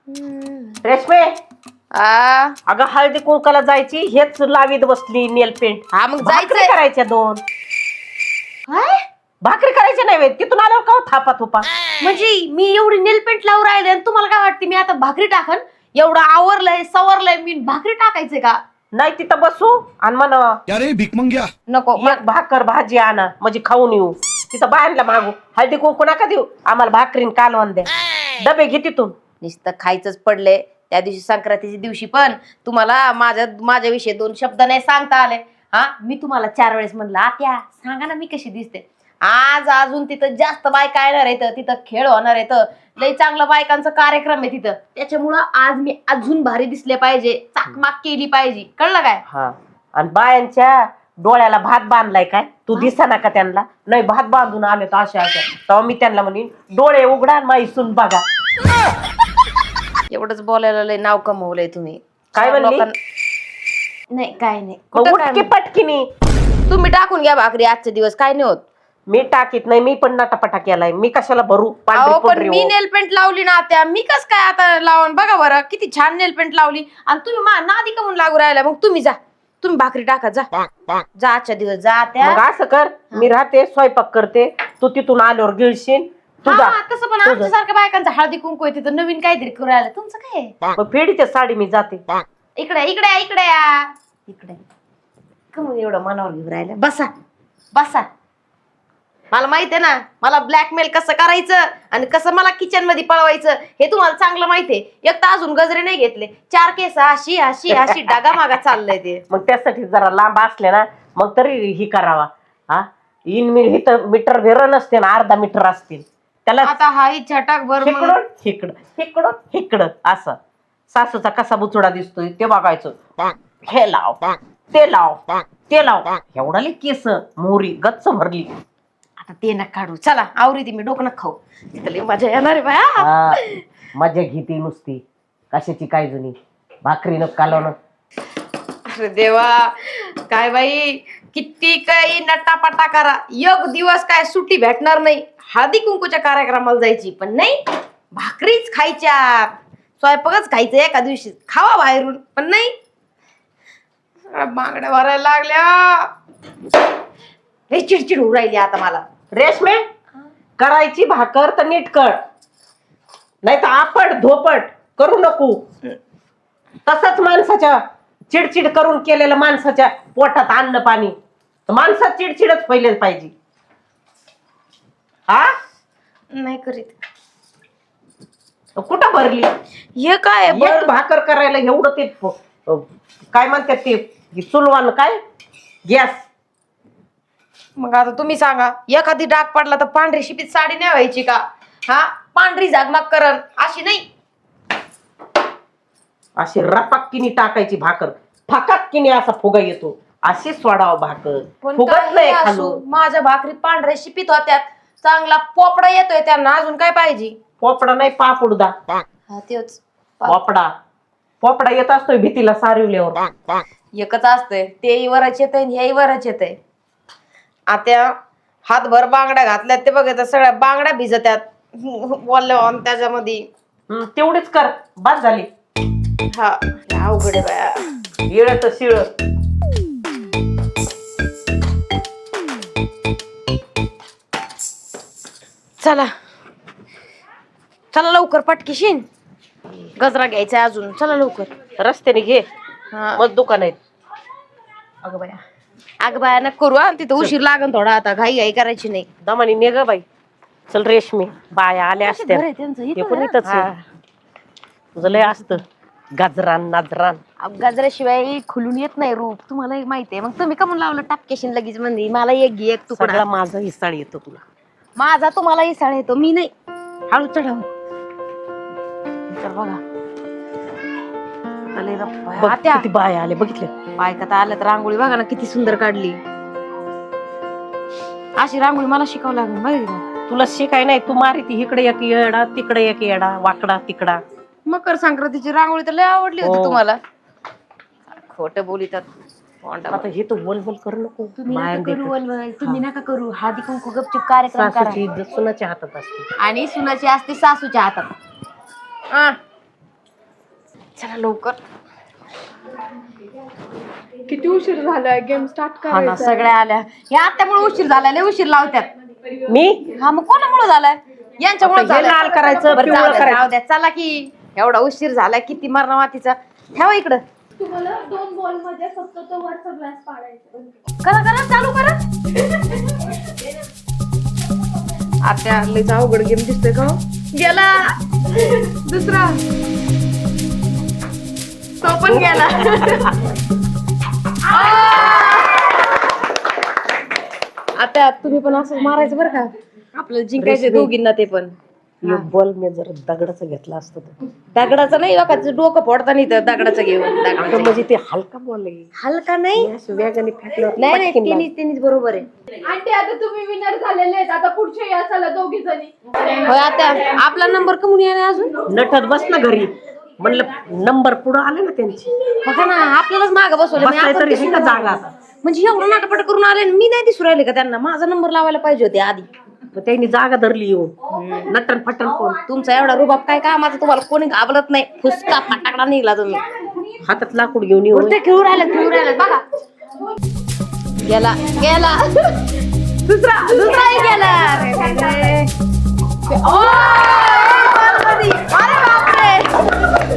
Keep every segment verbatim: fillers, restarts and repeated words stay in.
रेशमे आ अगं हळदी कुंकाला जायची हेच लावीत बसली नेल पेंट. हा मग भाकरी जायचंय करायच्या दोन. काय भाकरी करायच्या नाही व्हय. तिथून आल्यावर का थापा थुपा. म्हणजे मी एवढी नेलपेंट लावून राहिले आणि तुम्हाला काय वाटते मी आता भाकरी टाकन? एवढं आवरलंय सवरलंय मी भाकरी टाकायचंय का? नाही तिथं बसू आणि म्हण अरे भीक मंग्या नको एक भाकर भाजी आणा म्हणजे खाऊन येऊ. तिथं बाहेरला मागू हळदी कुंकू नका देऊ आम्हाला भाकरीन कालवण द्या. डबे घे तिथून. नुसतं खायचंच पडले त्या दिवशी संक्रांतीच्या दिवशी पण तुम्हाला माझ्या माझ्याविषयी दोन शब्द नाही सांगता आले. हा मी तुम्हाला चार वेळेस म्हणलं आत्या सांगा ना मी कशी दिसते. आज अजून तिथं जास्त बायका येणार आहेत तिथं खेळ होणार आहेत लय चांगलं बायकांचा कार्यक्रम आहे तिथं त्याच्यामुळं आज मी अजून भारी दिसले पाहिजे चाकमाक केली पाहिजे कळलं काय. हा आणि बायांच्या डोळ्याला भात बांधलाय काय तू दिसना का त्यांना. नाही भात बांधून आले तर अशा अशा तेव्हा मी त्यांना म्हणेन डोळे उघडा माई सून बघा. एवढंच बोलायला लय नाव कमवलंय तुम्ही. काय म्हणली? लोकां- नाही काय नाही मग कुठं काय उठकी पटकीनी तुम्ही टाकून घ्या भाकरी आजचे दिवस काय नाही होत. मी टाकीत नाही मी पण नटापटा केलाय मी कशाला भरू अहो पांढरी पण पुंढरी मी हो. नेलपेंट लावली ना त्या मी कस काय आता लावून बघा बरं किती छान नेलपेंट लावली आणि तुम्ही मा नादी कमून लागू राहिला. मग तुम्ही जा तुम्ही भाकरी टाका जा जा आजच्या दिवस जा त्या मग असं कर मी राहते स्वयंपाक करते तू तिथून आल्यावर गिळशील तुझा हा, तसं पण आमच्या सारख्या बायकांचा हळदी कुंकू आहे तिथं नवीन काहीतरी करू राहिलं तुमचं काय आहे? मग फेडीच्या साडी मी जाते. इकडे इकडे इकडे या इकडे कमून एवढं मनावर घेऊन राहिलं बसा बसा. मला माहित आहे ना मला ब्लॅकमेल कसं करायचं आणि कसं मला किचन मध्ये पळवायचं हे तुम्हाला चांगलं माहितीये. एक तर अजून गजरे नाही घेतले चार केस अशी अशी अशी डागा मागा चाललंय ते. मग त्यासाठी जरा लांब असले ना मग तरी ही करावा. हा इन मी इथं मीटर भेर नसते ना अर्धा मीटर असतील त्याला आता हा छटाक भर मग. इकडून इकडं इकडून इकडं असं. सासूचा कसा बुचडा दिसतोय ते बघायचं. हे लाव ते लाव ते लाव एवढा लई केस मोहरी गच्च भरली. आता ते नका काढू चला आवरी ती मी डोकं नका खाऊ तिथं लई मजा येणार आहे बाया. हा, मजा घेते नुसती कशाची काय जुनी भाकरी न कालवण. अरे देवा काय बाई किती काही नटापटा करा एक दिवस काय सुट्टी भेटणार नाही. हळदी कुंकूच्या कार्यक्रमाला जायची पण नाही भाकरीच खायच्या स्वयंपाकच खायचं एका दिवशी खावा बाहेरून पण नाही. बांगड्या भरायला लागल्या लई चिडचिड होऊ राहिली आता मला. रेशमे करायची भाकर तर नीट कर नाही तर आपट धोपट करू नको. तसंच माणसाच्या चिडचिड करून केलेलं माणसाच्या पोटात अन्न पाणी माणसात चिडचिडच व्हायला पाहिजे. हा नाही करीत. कुठं भरली हे काय एक भाकर करायला एवढं ते प- काय म्हणतात ते चुलवान काय गॅस. मग आता तुम्ही सांगा एखादी डाग पडला तर पांढरी शिपीत साडी नाही व्हायची का? हा पांढरी झागमाग करण अशी नाही अशी रपाक्कीनी टाकायची भाकर फकाक्कीने असा फुगा येतो अशी सोडावं भाकर पण फुगत काही नाही असो, खालून. माझ्या भाकरी पांढऱ्या शिपीत होत्यात चांगला पोपडा येतोय त्यांना अजून काय पाहिजे. पोपडा नाही पापुडदा हा तेच पोपडा पोपडा येत असतोय भीतीला सारवल्यावर. एकच असतंय तेही वरच येतंय हेही वरच येतंय. आता हातभर बांगड्या घातल्यात ते बघ सगळ्या बांगड्या भिजत्यात बोलल्या त्याच्यामध्ये. हम्म, तेवढीच कर बस झाली. हा अवघड आहे बाया. येळ तर शिळ. चला चला लवकर पटकीशीन गजरा घ्यायचा अजून चला लवकर. रस्त्याने घे हा मग दुकान आहेत. अगं बाया अगं बाया नका करू हा तिथं उशीर लागन थोडा आता घाई घाई करायची नाही. दमानी ने ग बाई चल रेशमी बाया आल्या असत्या घर आहे त्यांचं ते इथं पण ना? इथंच आहे. तुझं लय असतं गाजरान नाजरान. अहो, गजऱ्याशिवाय खुलून येत नाही रूप तुम्हाला माहितीये. मग तुम्ही का म्हणून लावलं टापकेशन लगेच म्हणजे मला एक घे एक तुकडा. सगळा माझा हिसाळ येतो तुला. माझा तुम्हाला इसाळ येतो मी नाही हळू चढाव. तर बघा आले ना बाया. बघ आत्या किती बाया आले बघितलं. बायका तर आल्या तर रांगोळी बघा ना किती सुंदर काढली. अशी रांगोळी मला शिकावं लागेल माहिती का? तुला शिकाय नाही तू मारी ती इकडे एक येडा तिकडे एक येडा वाकडा तिकडा. मकर संक्रांतीची रांगोळी तर लय आवडली होती हो. तुम्हाला. खोट बोलितात आता हे तू बोल बोल करू नको. तुम्ही बाया नका करू देखत. वलवल, तुम्ही नका करू हळदी कुंकू गपचूप कार्यक्रम करा. सासूची इज्जत सुनाच्या हातात असते. आणि सुनाची असते सासूच्या हातात. आ, चला लवकर. किती उशीर झालाय, गेम स्टार्ट हा ना, करायचा. सगळ्या आल्या. या त्यामुळे उशीर झालाय, लय उशीर लावत्यात. मी हा मग कोणामुळे झालाय? यांच्यामुळे आता हे लाल करायचं, बरं, पिवळं जाऊ द्या, करायचं. जाऊ द्या. चला की, एवढा उशीर झालाय, किती मारणं मातीचा. ठेवा इकडं. तुम्हाला दोन बॉल मध्ये फक्त तो वरचा ग्लास पाडायचा. करा करा, चालू करा. आता लयच अवघड गेम दिसतोय का हो? गेला दुसरा, तो पण गेला. आता तुम्ही पण असं मारायचं बरं का, आपल्याला जिंकायचे दोघींना. ते पण बॉल मी जर दगडाचा घेतला असतो तर. दगडाचं नाही बघा, तिचं डोकं फोडता नाही तर दगडाचं घेऊन. दगडाचं अगं म्हणजे ते हलका बॉल आहे, हलका नाही. असं वेगाने फेकल्यावर नाही नाही, पटकन तिन्हीच तिन्हीच बरोबर आहे. आणि आता तुम्ही विनर झालेले आहेत. आता पुढच्या या चला दोघी जणी. होय, आता आपला नंबर कमून येणार अजून. लागलं. नटत बस ना घरी, म्हणलं नंबर पुढं आले ना त्यांची. बघा ना, आपल्यालाच मागं बसवलं. मी बसायचं आपण तरी दिसून का जागा राहिलो. म्हणजे एवढं नाटपट करून आले आणि मी नाही दिसू राहिले का त्यांना? माझा नंबर लावायला पाहिजे होते आधी. मग त्यांनी जागा धरली येऊन नटन फटन कोण. तुमचा एवढा रुबाब काय कामाचा? तुम्हाला कोणी घाबरत नाही. फुसका फटाकडा निघला तुम्ही. हातात लाकूड घेऊन येऊन. उलटे खेळू राहिले, खेळू राहिले बघा. गेला गेला दुसरा दुसराही गेला. अरे, अरे, अरे. ओ, एक बॉलमध्ये. अरे बापरे.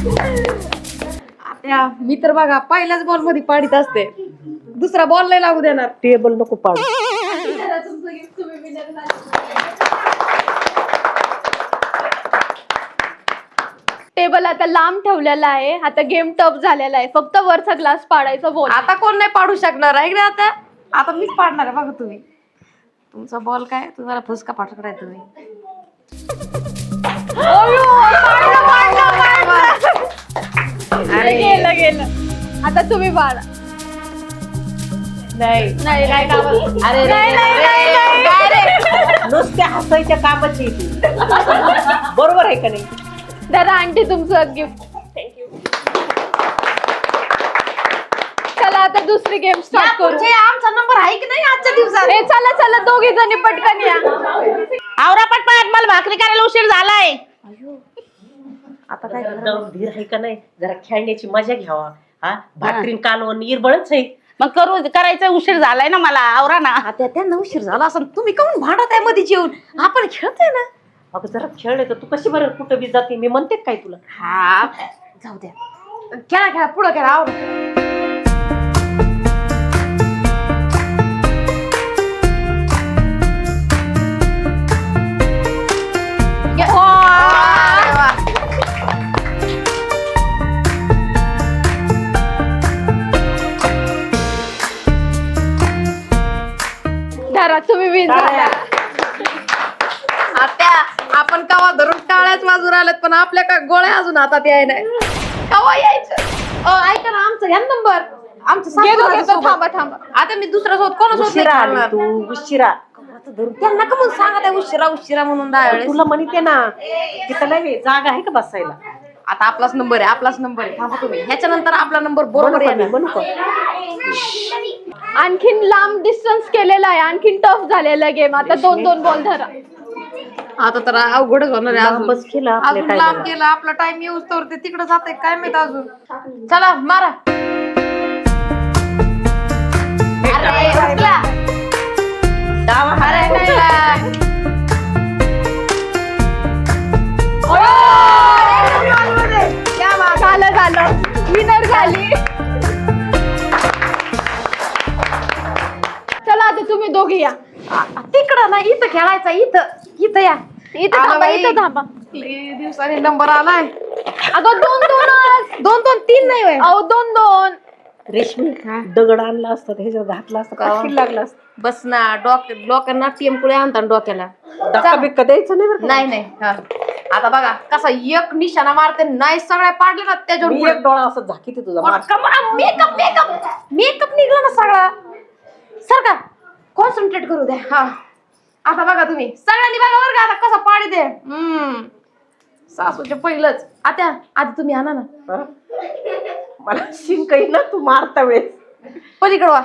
आता मी तर बघा पहिल्याच बॉल मध्ये पाडीत असते. दुसरा बॉल नाही लागू देणार. टेबल नको पाडू. चला, तुमचं गेम तुम्ही विनर झाले. टेबल आता लांब ठेवलेला आहे. आता गेम टफ झालेला आहे. फक्त वरचा ग्लास पाडायचा बोल. आता कोण नाही पाडू शकणार आहे ना. आता आता मीच पाडणार आहे बघा. तुम्ही तुमचा बॉल काय, तुम्हाला फुसका पाठवणार आहे तुम्ही. अरे गेलं गेलं. आता तुम्ही पाडा. नाही नाही नाही गावात. अरे नाही, नाही, नाही, नाही. काय रे? नुसत्या हसायच्या कामाची आहे ती. बरोबर आहे का नाही? दादा आंटी तुमचं गिफ्ट. थँक्यू. चला आता दुसरी गेम या स्टार्ट करू. पुढचे आमचा नंबर आहे की नाही आजच्या दिवसात? ए चला चला दोघी जणी पटकन या. आवरा पटपट, मला भाकरी करायला उशीर झालाय. आता काय जाऊन धीर आहे का नाही? जरा खेळण्याची मजा घ्यावा. हा भाकरीन कालवण इरबळच आहे. मग करू करायचा उशीर झालाय ना मला. आवरा ना. आता त्यांना उशीर झाला असं तुम्ही काऊन भांडत आहे मध्ये येऊन? आपण खेळतोय ना. अगं जरा खेळ तर तू कशी बरं कुठं बी जाते? मी म्हणते काय तुला? हा जाऊ द्या, खेळा खेळा, पुढं खेळा. आवड धरा तुम्ही विन झाला. आता आपण कवा धरून टाळ्याच वाजून आल्यात, पण आपल्या का गोळ्या अजून हातात याय नाही. कवा यायचं? अ, ऐका ना, आमचा घ्या नंबर. आमचं घेतो सासूबाई घेतो. सोबत. थांबा थांबा. आता मी दुसरा सोबत कोणासोबत नाही उशिरा आली खेळणार. तू, उशिरा. त्यांना का म्हणून सांगत आहे उशिरा उशिरा म्हणून दहा वेळेस? तुला म्हणते ना तिथं नाही जागा आहे का बसायला? आता आपलाच नंबर आहे, आपलाच नंबर आहे. थांबा तुम्ही, ह्याच्यानंतर आपला नंबर म्हणू बरोबर का मी? आहे. म्हणू का? आणखीन लांब डिस्टन्स केलेला आहे. आणखीन टफ झालेला गेम. आता दोन दोन बॉल धरा. आता तर अवघडच होणार आहे. अजून लांबच केलं आपल्या अजून लांब टायमाला. केलं. आपला टाइम येऊच तर ते तिकडे जाते काय माहित अजून. चला मारा. अरे, उचला. डावा हात अरे, उचल. नाही. झालं झालं. विनर झाली. चला आता तुम्ही दोघी या. तिकडं ना, इथं खेळायचं. इथं इथं या. इथं आला थांबा. बाई. इथं थांबा. लई दिवसांनी नंबर आलाय. अगं दोन दोनच. दोन दोन तीन नाही होय. अहो दोन दोन. रेशमी दगड आणला असता ह्याच्यात घातला असता काठी लागला असता. बस ना, डोक डोक्यांना टेम्पुळे आणतात डोक्याला. धक्का बिक्का द्यायचं नाही बरं का? नाही नाही. हा. आता बघा कसा एक निशाणा मारते. नाही सगळ्या पाडले ना त्याच्यावर मी एक डोळा असं झाकीते तुझा मार. मेकअप मेकअप मेकअप निघला ना सगळा. सर का कॉन्सन्ट्रेट करू द्या. हा आता बघा तुम्ही सगळ्यांनी बघा बरं का आता कसा पाडी दे. हम्म सासूचे पहिलंच. आता आधी तुम्ही आणा ना. हा? मला शिंक येईल ना तू मारता वेळेस. पलीकडे वा.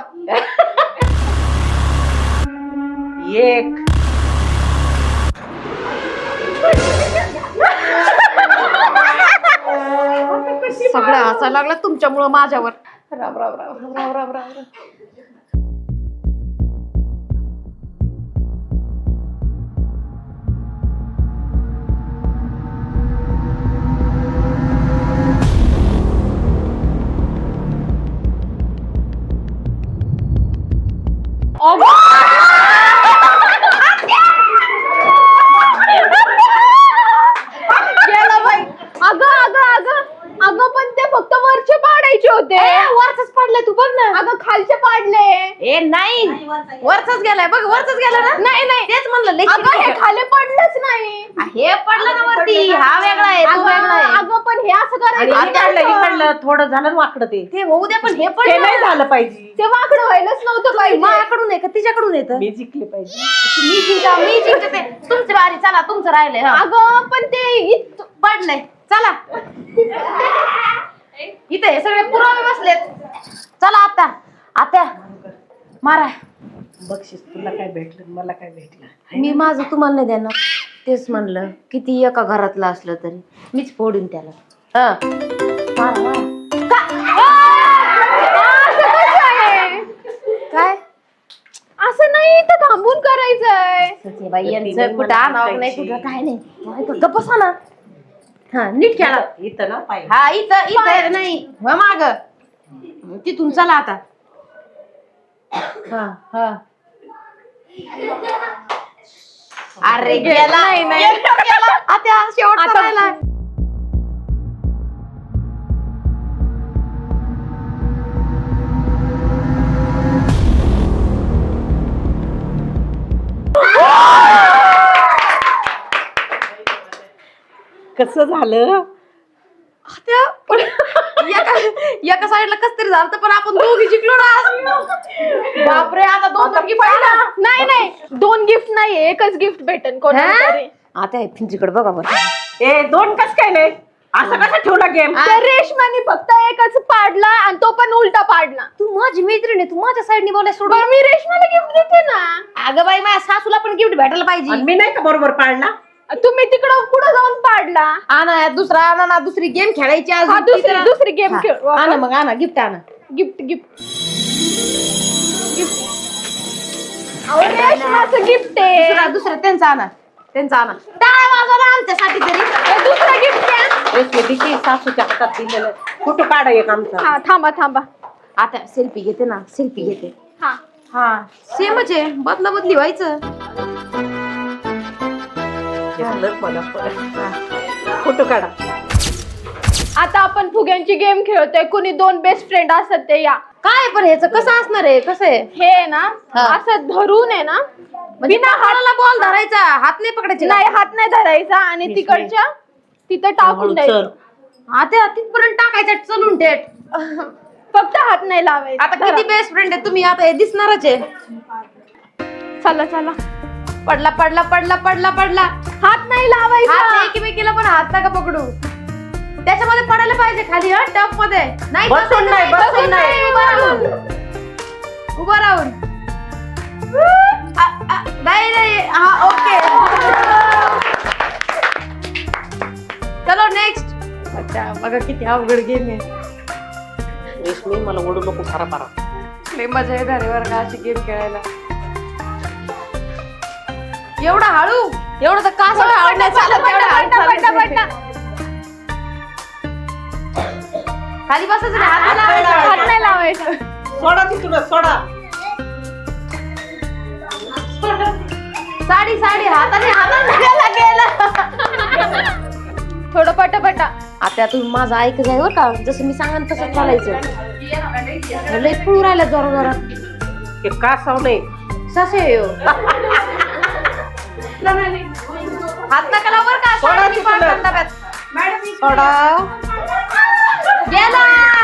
एक सगळं हसायला लागलं तुमच्यामुळं माझ्यावर. राम राम राम राम राम राम राम. गेलं बाई. अगं अगं अगं अगं पण ते फक्त वरचे पाडायचे होते. वरच पडले तू बघ ना. अगं खालचे पाडले. ए नाही वरचाच गेलाय बघ वरचाच गेला ना. नाही नाही तेच म्हणलं लई अगं हे खाली पडलंच नाही. हे पडलं ना वरती. हा वेगळा आहे तो अगं वेगळा आहे. अगं पण हे असं आणि करायचं इकडलं नव्हतं. इकडलं थोडं झालं ना वाकडं ते ते होऊ द्या पण हे ते पडलं नाही झालं पाहिजे. ते वाकडं व्हायलाच नव्हतं पाहिजे. माझ्याकडून आहे का तिच्याकडून येतं. मी जिंकले पाहिजे. मी जिंका मी जिंकते. तुमची बारी चला तुमचं राहिलंय. हा. अगं पण ते इत- पडलंय चला. इथे हे सगळे पुरावे बसलेत. चला आता आता मारा. बक्षीस तुला काय भेटलं मला काय भेटलं. मी माझं तुम्हाला नाही देणार. तेच म्हणलं किती एका घरातलं असलं तरी मीच फोडून त्याला. हा मारा मारा. असं कसं आहे? काय असं नाही तर थांबून करायचंय. सचेबाई यांचं कुठं आणावं नाही कुठं काय नाही. गप्प बसा ना. हा नीट खेळा. इथं ना पाहिजे. हा इथं इथं नाही माग तिथून चला आता. हा हा अरे गेला नाही, नाही. गेला. आता शेवटचा आता- राहिला. कसं झालं. त्या एका एका साईडला कस तरी झालं पण आपण दोघी जिंकलो ना. बापरे आता दोन दोन गिफ्ट. नाही नाही दोन गिफ्ट नाही एकच गिफ्ट भेटेल कोणाला तरी. आता फिंचीकडे बघा बरं. ए दोन कस काय नाही असं कसं ठेवला गेम. त्या रेशमाने फक्त एकच पाडला आणि तो पण उलटा पाडला. तू माझी मैत्रीण आहे तू माझ्या साईडने बोलाय सोडून. बरं मी रेशमाला गिफ्ट देते ना. अगं बाई माझ्या सासूला पण गिफ्ट भेटायला पाहिजे. आणि मी नाही का बरोबर पाळला. तुम्ही तिकडं पुढे जाऊन पाडला. आणा दुसरा आणा ना दुसरी गेम खेळायची आज. हा, दुसरी दुसरी गेम हा, खेळू आणा मग आणा गिफ्ट आणा. गिफ्ट गिफ्ट रेशमाचं गिफ्ट आहे. दुसरा दुसरा त्यांचा आणा त्यांचा आणा. टाळ्या वाजवा ना आमच्यासाठी तरी. हे दुसरं गिफ्ट द्या. रेशमी दिशी सासूच्या हातात दिलेलं कुठं काढा एक आमचा. हा थांबा थांबा. आता सेल्फी घेते ना सेल्फी घेते. हा हा सेमच आहे बदला बदली व्हायचं. झालं मला परत. फोटो काढा. आता आपण फुग्यांची गेम खेळतोय. कुणी दोन बेस्ट फ्रेंड असतात ते या. काय पण ह्याचं कसं असणार आहे कसं आहे. हे आहे ना हा. असं धरून आहे ना बिना हाताला बॉल धरायचा हात नाही पकडायचे. नाही हात नाही धरायचा आणि रेशमी. तिकडच्या तिथं टाकून चल. द्यायचं. आता तिथपर्यंत टाकायचं चलून थेट. फक्त हात नाही लावायचा. आता किती बेस्ट फ्रेंड आहे तुम्ही आता हे दिसणारच आहे. चला चला पडला पडला पडला पडला पडला. हात नाही हात लावायचा. एकमेकीला पण हात नका पकडू. त्याच्यामध्ये पडायला पाहिजे खाली हा टप मध्ये. नाही बसून नाही, बसून बसून नाही. उभं राहून उभं राहून. आ, आ, नाही नाही हा ओके. चलो नेक्स्ट. अच्छा बघा किती अवघड गेम आहे. रेशमी मला ओढू नको फारा फारा. लय मजा येणार आहे बरं का अशी गेम खेळायला. एवढा हळू एवढं तर का सवय आवडण्यात चालत पटा, एवढं हळू पटा, पटा, चालायचं. पटा. खाली बसायचं नाही, हात नाही लावायचा. हात नाही लावायचं. सोडा तिथून सोडा. साडी साडी हाताने हाताने गेला गेला. थोडं पटापटा. आता तुम्ही माझं ऐक जाय बरं का जसं मी सांगा तसं चालायचं. लय पळू राहिला जोरा जोरात. ते का साव नाही. ससे येऊ हात नका लावू बरं का. सोडा साडीने तिकडं. पाडतात डब्यात. सोडा. गेला.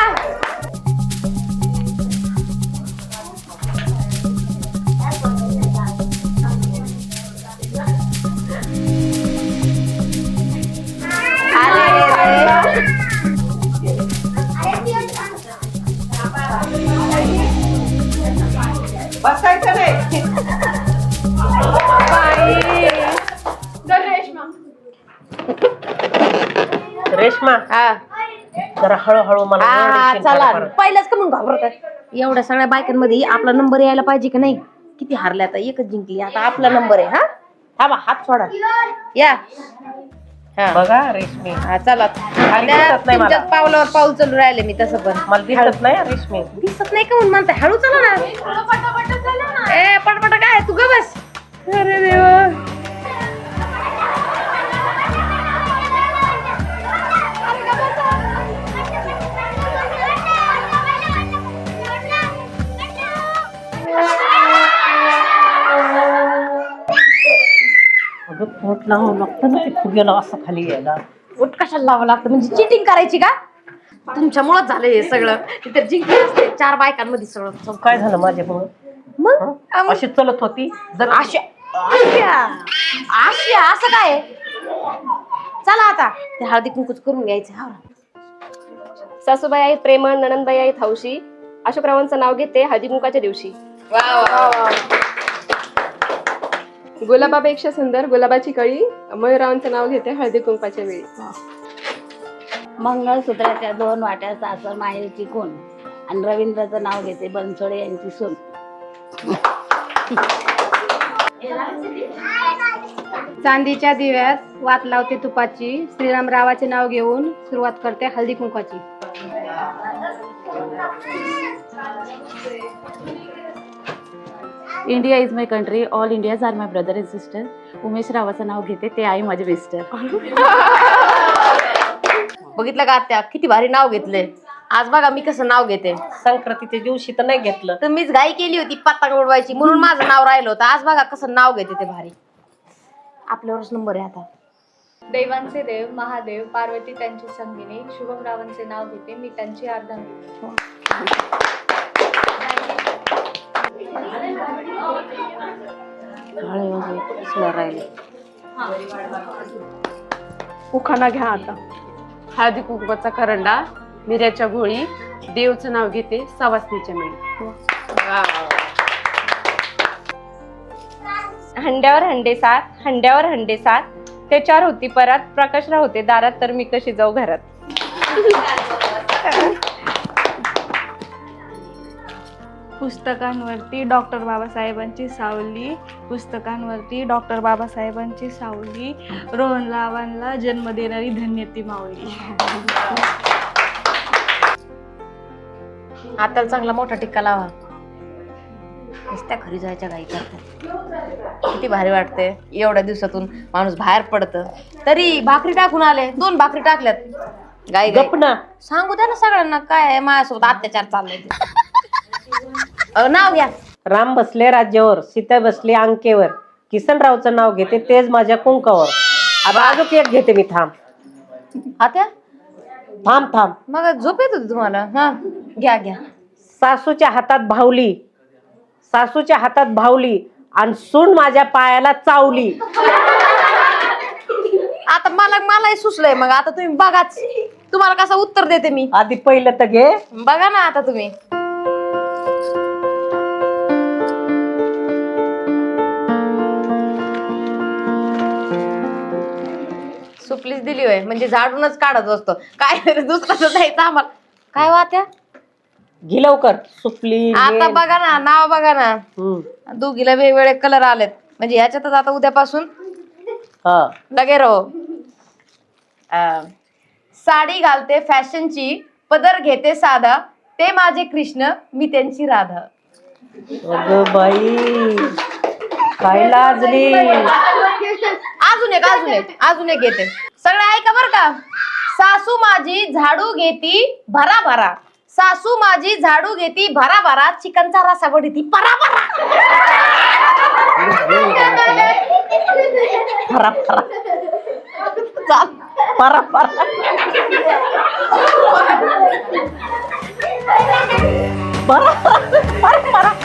बसायचं नाही. बाई. दर रेशमा. रेशमा हा जरा हळूहळू मला हा, ओरडशील चला परत. पहिल्याच का म्हणून घाबरत आहे? एवढ्या सगळ्या बायकांमध्ये आपला नंबर यायला पाहिजे की नाही? किती हारले आता, एकच जिंकली, आता आपला नंबर आहे. हा थांबा, हात सोडा, या. हा बघा रेशमी, हा, चला. खाली दिसत नाही मला. तुमच्याच पावलावर पाऊल चालू राहिले मी तसं पण. मला दिसत नाही रेशमी. दिसत नाही का म्हणून म्हणताय? हळू चला ना. ए पटपट काय तू ग बस. अरे देवा. अगं पोट लावावं लागतं ना ते फुग्याला असं खाली यायला. उठ कशाला लावावं लागतं? म्हणजे चिटिंग करायची का? तुमच्यामुळेच झालं हे सगळं. तिथे जिंकले असते चार बायकांमध्ये सगळं. काय झालं माझ्यामुळं? मग हं? अशी चलत होती जर आशा आशा आशा असं काय? चला आता ते हळदी कुंकूच करून घ्यायचं. हा सासूबाई आहेत प्रेमळ, नणंदबाई आहेत हौशी. अशोकरावांचं नाव घेते हळदी कुंकाच्या दिवशी. गुलाबापेक्षा सुंदर गुलाबाची कळी, मयूररावांचं नाव घेते हळदी कुंकाच्या वेळी. मंगळसूत्राच्या दोन वाट्या सासर माहेरची कोण, आणि रवींद्राचं नाव घेते बनसोडे यांची सून. चांदीच्या दिव्यात वात लावते तुपाची, श्रीरामरावाचे नाव घेऊन सुरुवात करते हळदी कुंकाची. India is my country, all Indians are my brother and sister. Umesh रावाचं नाव घेते, ते आहे माझे मिस्टर. बघितलं का आत्या, किती भारी नाव घेतले. आज बघा मी कसं नाव घेते. संक्रांतीच्या दिवशी तर नाही घेतलं. तर मीच घाई केली होती पत्ता उडवायची म्हणून माझं नाव राहिलं होतं. आज बघा कसं नाव घेते ते भारी. आपल्यावरच नंबर आहे आता. देवांचे देव महादेव, पार्वती त्यांची संगिनी, शुभमरावांचे नाव घेते, मी त्यांची अर्धांगिनी. राहिले उखाणा घ्या आता. हळदी कुंकवाचा करंडा, मिऱ्याच्या गोळी, देवचं नाव घेते, सवासणीच्या मेळी. हंड्यावर हंडे सात, हंड्यावर हंडे सात, ते चार होती परात, प्रकाशराव होते दारात, तर मी कशी जाऊ घरात. पुस्तकांवरती डॉक्टर बाबासाहेबांची सावली, पुस्तकांवरती डॉक्टर बाबासाहेबांची सावली, रोहन रावांना जन्म देणारी धन्य ती माऊली. हाताला चांगला मोठा टिक्का लावा. नुसत्या घरी जायच्या घाई करतात. किती भारी वाटते. एवढ्या दिवसातून माणूस बाहेर पडत, तरी भाकरी टाकून आले, दोन भाकरी टाकल्यात. गाई गाई. गप ना. सांगू द्या ना सगळ्यांना काय आहे, माझ्यासोबत अत्याचार चाललाय ते. अहो, नाव घ्या. राम बसले राज्यावर, सीता बसले अंकेवर, किसनरावचं नाव घेते तेच माझ्या कुंकावर. आता अजून एक घेते मी. थांब आत्या थांब थांब. मग झोप येत होती तुम्हाला? हा घ्या घ्या. सासूच्या हातात भावली, सासूच्या हातात भावली, आणि सून माझ्या पायाला चावली. आता मला मलाही सुचलंय. मग आता तुम्ही बघाच, तुम्हाला कसं उत्तर देते मी. आधी पहिलं तर घे. बघा ना आता तुम्ही. सुपलीच दिली होय, म्हणजे झाडूनच काढत असतो. काय दुसरं जायचं आम्हाला. काय वात्या घे लवकर. सुपली आता बघा ना, नाव बघा ना. हम्म दोघीला वेगवेगळे कलर आलेत, म्हणजे ह्याच्यातच आता उद्यापासून हा. लगे रहो. अं, साडी घालते फॅशनची, पदर घेते साधा, ते माझे कृष्ण, मी त्यांची राधा. अगं बाई काय लाजली. अजून एक अजून एक अजून एक घेते. सगळे ऐका बर का. सासू माझी झाडू घेती भरा भरा, सासू माझी झाडू घेती भरा भरा, चिकनचा रसा वडीती परा परा. परा परा चाल. परा परा परा परा परा.